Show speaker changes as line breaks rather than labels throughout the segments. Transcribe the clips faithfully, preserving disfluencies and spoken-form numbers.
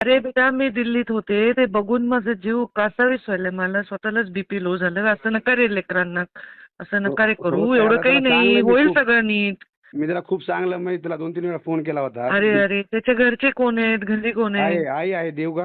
अरे बेटा मी दिल्लीत होते ते बघून माझा जीव कासावीस व्हायलाय. मला स्वतःलाच बीपी लो झालं. असं नका रे लेकरांना, असं
हो
नका रे
हो
करू.
ताई,
एवढं
आता
काही
त्याला
नाही,
चांगलं मी
होईल
खूप
सगळं नीट.
मी त्याला खूप चांगलं म्हणजे त्याला दोन तीन वेळा फोन केला होता.
अरे अरे त्याच्या घरचे कोण आहेत, घरी कोण आहेत?
आहे आई आहे देव का?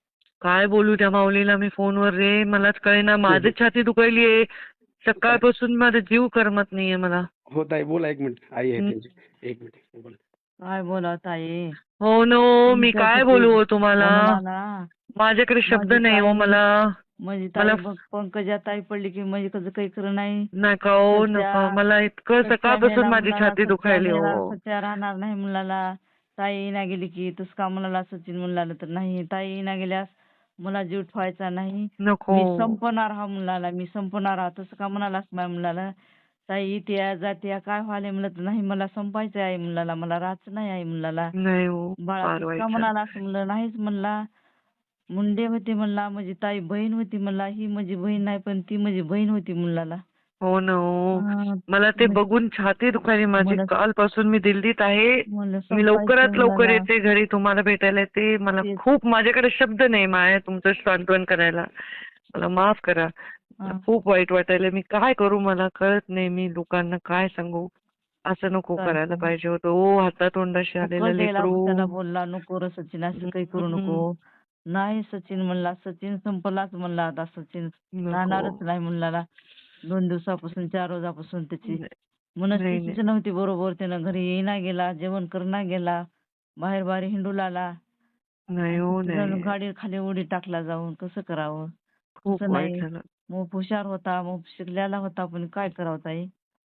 काय बोलू त्या माऊलीला मी फोनवर रे, मलाच कळेना. माझी छाती दुखायलीये
काय
सकाळपासून, माझा जीव करमत नाहीये मला.
हो ताई बोला, एक मिनिट आई आहे
हं.
त्यांची, एक मिनिट बोला.
काय बोला ताई,
हो नो, मी काय
तुमच्यासाठी
बोलू हो तुम्हाला?
म्हणून आला.
माझ्याकडे शब्द
माझी
नाही हो
ताई
मला.
माझी
मला
ताई बघ, पंकजा ताई पडली की माझी कसं काही खरं नाही.
नका हो
सच्या
नका, मला इतकं
सच्या
सकाळपासून
मेला
माझी
मुलाला,
छाती
सच्या
दुखायली
मेला,
हो.
सच्या राहणार नाही मुलाला. ताई ना गेली की तस का म्हणाला सचिन मुलाला, तर नाही ताई ना गेल्यास मला जीव ठेवायचा नाही.
नको.
मी संपणार हा मुलाला, मी संपणार हा, तसं का म्हणालास माझ्या मुलाला. ताई इथे जाते काय व्हायला म्हणलं, तर नाही मला संपायचं आहे मुलाला, मला राहायचं नाही आहे मुलाला.
नाही हो,
बाळा
फार
तसं
वाईट
का
झालं.
म्हणाला, असं म्हणलं नाहीच म्हणला. मुंडे होते म्हणला, माझी ताई बहीण होती म्हणला. ही माझी बहीण नाही पण ती माझी बहीण होती मुलाला.
हो ना हो.
हा,
मला ते
मग-
बघून छाती दुखायली माझी.
मला
कालपासून मी दिल्लीत आहे.
मला
मी
संपायचंय
लवकरात लवकर
मुलाला.
येते घरी तुम्हाला भेटायला येते. मला
तेच.
खूप, माझ्याकडे शब्द नाही माया तुमचं सांत्वन करायला. मला माफ करा. मला
हा.
खूप वाईट वाटायला. मी काय करू मला कळत नाही. मी लोकांना काय सांगू. असं नको
काय
करायला
सांगू?
पाहिजे होतं. ओ हातातोंडाशी आलेलं
फुकट द्यायला
लेकरू.
त्याला बोलला, नको रे सचिन असं काही करू
हम्म.
नको. नाही सचिन म्हणला, सचिन संपलाच म्हणला आता. सचिन
नको.
राहणारच नाही मुलाला. दोन दिवसापासून, चार रोजापासून त्याची
नाही नाही
मनस्थितीच नव्हती बरोबर. त्यानं घरी येईना गेला, जेवण करणा गेला, बाहेर बाहेर हिंडू लागला.
नाही हो नाही.
गाडी खाली उडी टाकला जाऊन. कसं करावं?
खूप
कसं
वाईट
नाही.
झालं.
मग हुशार होता, मग शिकलेला होता, पण काय करावं ताई?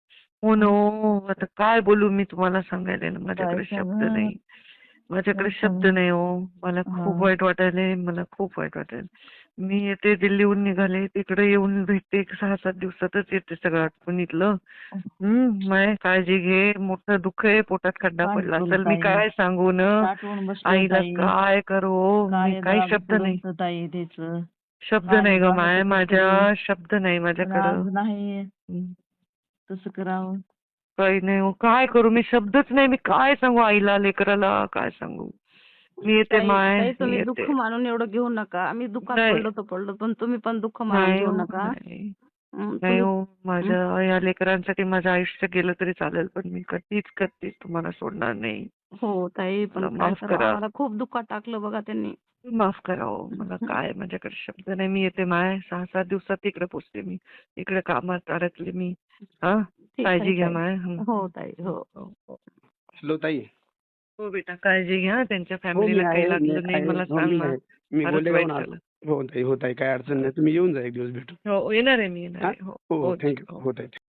हो ना हो. आता काय बोलू मी तुम्हाला सांगायला ना,
काय
माझ्याकडे शब्द
सांगा?
नाही. माझ्याकडे
काय
शब्द
सांगू?
नाही हो. मला खूप
हा.
वाईट वाटायलंय. मला खूप वाईट वाटायलंय. मी येते दिल्लीहून निघाले. तिकडे येऊन भेटते. एक सहा सात दिवसातच येते सगळं आटपून इथलं. हम्म. माय काळजी घे. मोठं दुःख आहे. पोटात खड्डा
काय
पडला
करू
असेल. मी
ताई?
काय सांगू न.
साठवून बसलोय
आईला
ताई.
काय करू. मी
काय
काही
जरा
शब्द नाही.
दुखत ताई त्याच.
शब्द
काय
नाही ग
जरा
माय.
कसं
माझ्या
करू?
शब्द नाही
पण
माझ्याकडं.
आज नाही
हम्म.
तसं करावं.
काही नाही हो. काय करू मी, शब्दच नाही. मी काय सांगू आईला, लेकराला काय सांगू. मी येते
ताई
माय,
ताई
मी
तुम्ही
येते.
दुःख मानून एवढं घेऊ नका. आम्ही दुःखात
नाही
पडलो तर पडलो, पण तुम्ही पण दुःख मानून
नाही
घेऊ
हो
नका.
नाही.
हं,
नाही
तुम्ही
हो.
हं,
माझ्या या लेकरांसाठी माझं आयुष्य गेलं तरी चालेल, पण मी कधीच कधीच तुम्हाला सोडणार नाही.
हो ताई, पण
मला
काय
माफ
करावं,
करा.
आम्हाला खूप दुःखात टाकलं बघा त्यांनी.
माफ करा हो. मला काय, माझ्याकडे शब्द नाही. मी येते माय. सहा सात दिवसात तिकडे पोचते मी. इकडे कामात अडकले मी. हा,
ठीक आहे
काळजी घ्या
ताई.
माय. हं.
हो ताई, हो.
हो हो.
हॅलो ताई.
हो बेटा काळजी घ्या. त्यांच्या
हो मी
फॅमिलीला काही
आहे, मी
लागलं नाही
आहे.
मला
हो
सांग
मी
ना.
आहे. मी
फारच
गोलेगावहून
वाईट
आलो.
झालं.
हो ताई, हो ताई, काही अडचण नाही. तुम्ही येऊन जा एक दिवस भेटू.
हो येणार आहे मी, येणार
हा
आहे. हो
हो
हो
थँक्यू.
हो.
हो ताई.